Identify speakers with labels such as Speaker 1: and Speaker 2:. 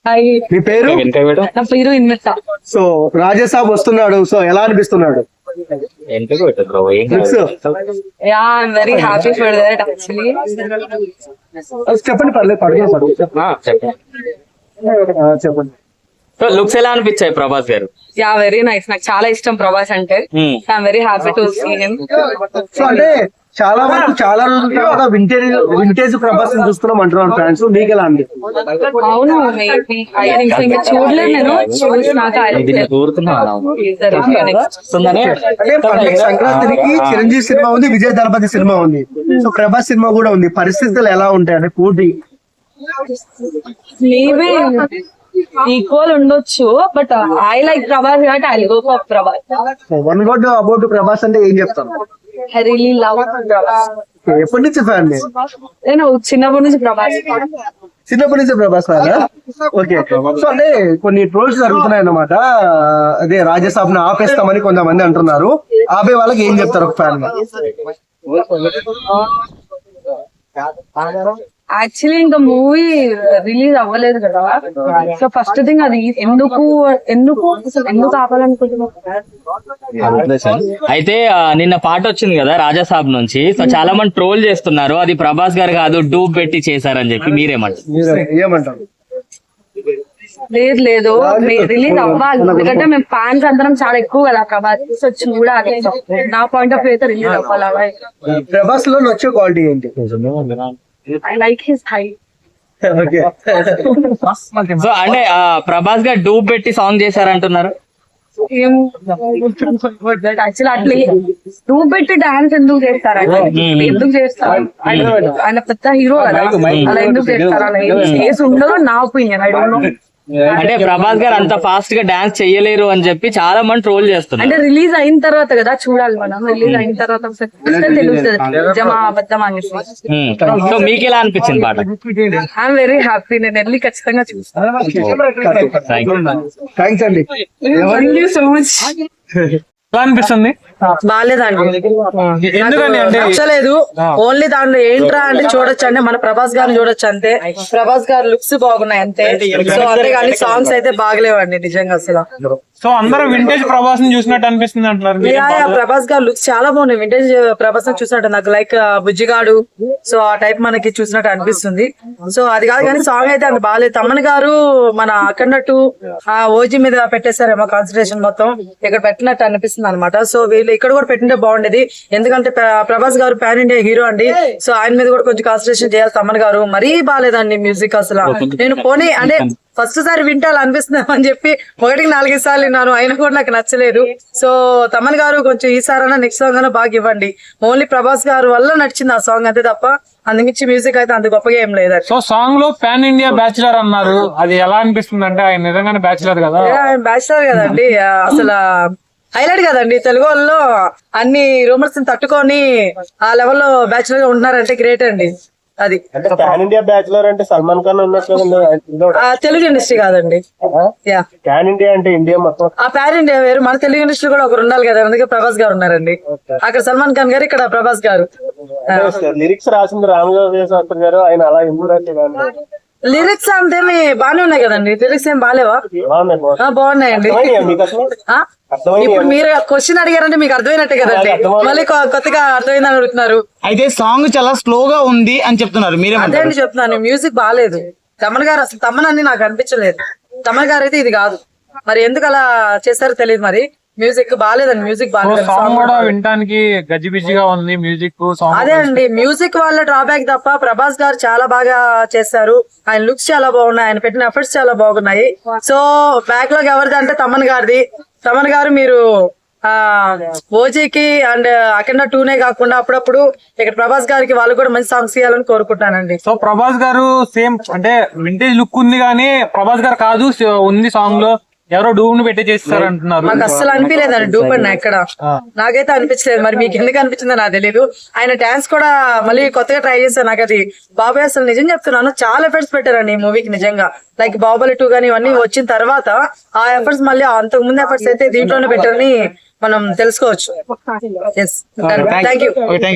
Speaker 1: మీ పేరు?
Speaker 2: నా పేరు ఇన్వెట్ట.
Speaker 1: సో రాజాసాబ్ వస్తున్నాడు, సో ఎలా అనిపిస్తున్నాడు?
Speaker 2: Yeah I'm very happy for that actually.
Speaker 1: చెప్పండి, పర్లేదు పడుతుంది. చెప్పండి.
Speaker 3: సో లుక్స్ ఎలా అనిపించాయి ప్రభాస్ గారు?
Speaker 2: యా వెరీ నైస్, నాకు చాలా ఇష్టం ప్రభాస్ అంటే. I'm very happy to see him.
Speaker 1: So అంటే చాలా వరకు చాలా రోజుల తర్వాత వింటేజ్ ప్రభాస్ చూస్తున్నాం అంటున్నాను ఫ్యాన్స్, మీకు ఎలా అండి?
Speaker 2: అవును, ఇంకా చూడలేదు నేను, చూసినాక
Speaker 1: అంటే సంక్రాంతికి చిరంజీవి సినిమా ఉంది, విజయ్ దళపతి సినిమా ఉంది, సో ప్రభాస్ సినిమా కూడా ఉంది. పరిస్థితులు ఎలా ఉంటాయి అంటే పోటీ?
Speaker 2: మేబీ ఈక్వల్ ఉండొచ్చు, బట్ ఐ లైక్ ప్రభాస్ కాబట్టి I go for Prabhas.
Speaker 1: One word about Prabhas అంటే ఏం చెప్తాను?
Speaker 2: I really love Prabhas.
Speaker 1: ఎప్పటి నుంచి ఫ్యాన్?
Speaker 2: నేను చిన్నప్పటి నుంచి ప్రభాస్.
Speaker 1: చిన్నప్పటి నుంచి ప్రభాస్ ఫ్యాన్. ఓకే. సో అంటే కొన్ని ట్రోల్స్ జరుగుతున్నాయి అన్నమాట, అదే రాజాసాబ్ ను ఆపేస్తామని కొంతమంది అంటున్నారు. ఆపే వాళ్ళకి ఏం చెప్తారు ఒక ఫ్యాన్ గా?
Speaker 2: యాక్చువల్లీ ఇంకా మూవీ రిలీజ్ అవ్వలేదు కదా, సో ఫస్ట్ థింగ్ అది ఎందుకు ఆపాలనుకుంటున్నాం.
Speaker 3: అయితే నిన్న పాట వచ్చింది కదా రాజాసాబ్ నుంచి, సో చాలా మంది ట్రోల్ చేస్తున్నారు అది ప్రభాస్ గారు కాదు డూబ్ పెట్టి చేశారని చెప్పి,
Speaker 1: ఏమంటారు?
Speaker 2: లేదు రిలీజ్ అవ్వాలి, ఎందుకంటే మేము ఫ్యాన్స్ అందరం చాలా ఎక్కువ కదా ప్రభాస్, సో చూడాలి. నా పాయింట్ ఆఫ్ వ్యూ అయితే రిలీజ్ అవ్వాలి.
Speaker 1: ప్రభాస్ లో నచ్చే క్వాలిటీ ఏంటి?
Speaker 2: I like his height.
Speaker 1: Okay.
Speaker 3: So అంటే ప్రభాస్ గారు డూబ్ పెట్టి సాంగ్ చేశారంటున్నారు.
Speaker 2: యాక్చువల్లీ అట్లా డూబ్ పెట్టి డాన్స్ ఎందుకు చేస్తారంటే, ఎందుకు చేస్తారు? ఆయన పెద్ద హీరో కదా, అలా ఎందుకు చేస్తారు? అలా చేసి ఉండదు నా ఒపీనియన్. I don't know.
Speaker 3: అంటే ప్రభాస్ గారు అంత ఫాస్ట్ గా డాన్స్ చెయ్యలేరు అని చెప్పి చాలా మంది ట్రోల్ చేస్తున్నారు.
Speaker 2: అంటే రిలీజ్ అయిన తర్వాత కదా చూడాలి మనం, రిలీజ్ అయిన తర్వాత తెలుస్తుంది నిజమా అబద్ధమా అనేసి.
Speaker 3: సో మీకు ఎలా అనిపించింది పాట?
Speaker 2: ఐఎమ్ వెరీ హ్యాపీ, నేను వెళ్ళి ఖచ్చితంగా చూస్తాను.
Speaker 1: థ్యాంక్స్ అండి.
Speaker 2: Thank you so much.
Speaker 4: ఎలా అనిపిస్తుంది?
Speaker 2: బాగాలేదండి,
Speaker 4: ఎందుకని అంటే
Speaker 2: నచ్చలేదు. ఓన్లీ దాంట్లో ఏంట్రా అంటే చూడొచ్చు అంటే మన ప్రభాస్ గారిని చూడొచ్చు అంతే, ప్రభాస్ గారు లుక్స్ బాగున్నాయి అంతే. సో అంతేగాని సాంగ్స్ అయితే బాగలేవండి నిజంగా అసలు.
Speaker 4: సో అందరూ వింటేజ్ ప్రభాస్ ని చూసినట్టు అనిపిస్తుంది అంటున్నారు.
Speaker 2: ప్రభాస్ గారు లుక్స్ చాలా బాగున్నాయి, వింటేజ్ ప్రభాస్ ని చూసినట్టు నాకు లైక్ బుజ్జిగాడు, సో ఆ టైప్ మనకి చూసినట్టు అనిపిస్తుంది. సో అది కాదు కానీ సాంగ్ అయితే అంత బాగాలేదు. తమన్ గారు మన అక్కడట్టు ఓజీ మీద పెట్టేశారేమో కాన్సన్ట్రేషన్ మొత్తం, ఇక్కడ పెట్టినట్టు అనిపిస్తుంది అనమాట. సో వీళ్ళు ఇక్కడ కూడా పెట్టింటే బాగుండేది, ఎందుకంటే ప్రభాస్ గారు పాన్ ఇండియా హీరో అండి. సో ఆయన మీద కూడా కొంచెం కాన్సన్ట్రేషన్ చేయాలి. తమన్ గారు మరీ బాగాలేదండి మ్యూజిక్ అసలు. నేను పోనీ అంటే ఫస్ట్ సారి వింటాలి అనిపిస్తుంది అని చెప్పి 1-4 సార్లు విన్నాను, అయినా కూడా నాకు నచ్చలేదు. సో తమన్ గారు కొంచెం ఈసారైనా నెక్స్ట్ సాంగ్ అయినా బాగా ఇవ్వండి. ఓన్లీ ప్రభాస్ గారు వల్ల నచ్చింది ఆ సాంగ్ అంతే తప్ప అందుమించి మ్యూజిక్ అయితే అంత గొప్పగా ఏం లేదు.
Speaker 4: సో సాంగ్ లో పాన్ ఇండియా బ్యాచులర్ అన్నారు, అది ఎలా అనిపిస్తుంది అంటే ఆయన నిజంగానే బ్యాచులర్ కదా?
Speaker 2: ఆయన బ్యాచులర్ కదండి, అసలు హైలైట్ కదండి. తెలుగు వాళ్ళు అన్ని రూమర్స్ తట్టుకొని ఆ లెవెల్లో బ్యాచులర్ గా ఉంటున్నారంటే గ్రేట్ అండి. అది
Speaker 1: పాన్ ఇండియా బ్యాచులర్ అంటే సల్మాన్ ఖాన్ ఉన్నట్లు
Speaker 2: తెలుగు ఇండస్ట్రీ కాదండి.
Speaker 1: పాన్ ఇండియా అంటే ఇండియా మొత్తం.
Speaker 2: ఆ పాన్ ఇండియా వేరు, మన తెలుగు ఇండస్ట్రీ కూడా ఒకరు ఉండాలి కదా, అందుకే ప్రభాస్ గారు ఉన్నారండి. అక్కడ సల్మాన్ ఖాన్ గారు, ఇక్కడ ప్రభాస్ గారు.
Speaker 1: లిరిక్స్ రాసింది రామజోగయ్య శాస్త్రి గారు, ఆయన అలా
Speaker 2: లిరిక్స్ అంతేమి బానే ఉన్నాయి కదండి, లిరిక్స్ ఏం బాగాలేవా? బాగున్నాయండి. ఇప్పుడు మీరు క్వశ్చన్ అడిగారంటే మీకు అర్థమైనట్టే కదండి, మళ్ళీ కొత్తగా అర్థమైందని అడుగుతున్నారు.
Speaker 5: అయితే సాంగ్ చాలా స్లోగా ఉంది అని చెప్తున్నారు, మీరే
Speaker 2: అదే అండి చెప్తున్నాను. మ్యూజిక్ బాగాలేదు. తమన్ గారు అసలు తమన్ అని నాకు అనిపించలేదు. తమన్ గారు అయితే ఇది కాదు, మరి ఎందుకు అలా చేస్తారో తెలియదు. మరి మ్యూజిక్ బాగాలేదండి, మ్యూజిక్ బాగాలేదు.
Speaker 4: సాంగ్ కూడా వినడానికి గజిబిజిగా ఉంది మ్యూజిక్.
Speaker 2: అదే అండి మ్యూజిక్ వాళ్ళ డ్రాబ్యాక్ తప్ప ప్రభాస్ గారు చాలా బాగా చేశారు. ఆయన లుక్స్ చాలా బాగున్నాయి, ఆయన పెట్టిన ఎఫర్ట్స్ చాలా బాగున్నాయి. సో బ్యాక్ లాగ్ ఎవరిది అంటే తమన్ గారిది. తమన్ గారు మీరు ఓజీకి అండ్ అఖండ 2నే కాకుండా అప్పుడప్పుడు ఇక్కడ ప్రభాస్ గారికి వాళ్ళు కూడా మంచి సాంగ్స్ ఇవ్వాలని కోరుకుంటానండి.
Speaker 4: సో ప్రభాస్ గారు సేమ్ అంటే వింటేజ్ లుక్ ఉంది కానీ ప్రభాస్ గారు కాదు ఉంది సాంగ్ లో, ఎవరో డూబ్ ను పెట్టి చేస్తారు అంటున్నారు.
Speaker 2: నాకు అస్సలు అనిపించలేదండి డూబ్ అన్న ఎక్కడ, నాకైతే అనిపించలేదు. మరి మీకు ఎందుకు అనిపించిందో నాకు తెలియదు. ఆయన డాన్స్ కూడా మళ్ళీ కొత్తగా ట్రై చేశాను. నాకు అది బాబాయ్ అసలు నిజం చెప్తున్నాను చాలా ఎఫర్ట్స్ పెట్టారండి ఈ మూవీకి నిజంగా. లైక్ బాహుబలి 2 కానీ ఇవన్నీ వచ్చిన తర్వాత ఆ ఎఫర్ట్స్ మళ్ళీ అంతకు ముందు ఎఫర్ట్స్ అయితే దీంట్లోనే పెట్టారని మనం తెలుసుకోవచ్చు. Thank you.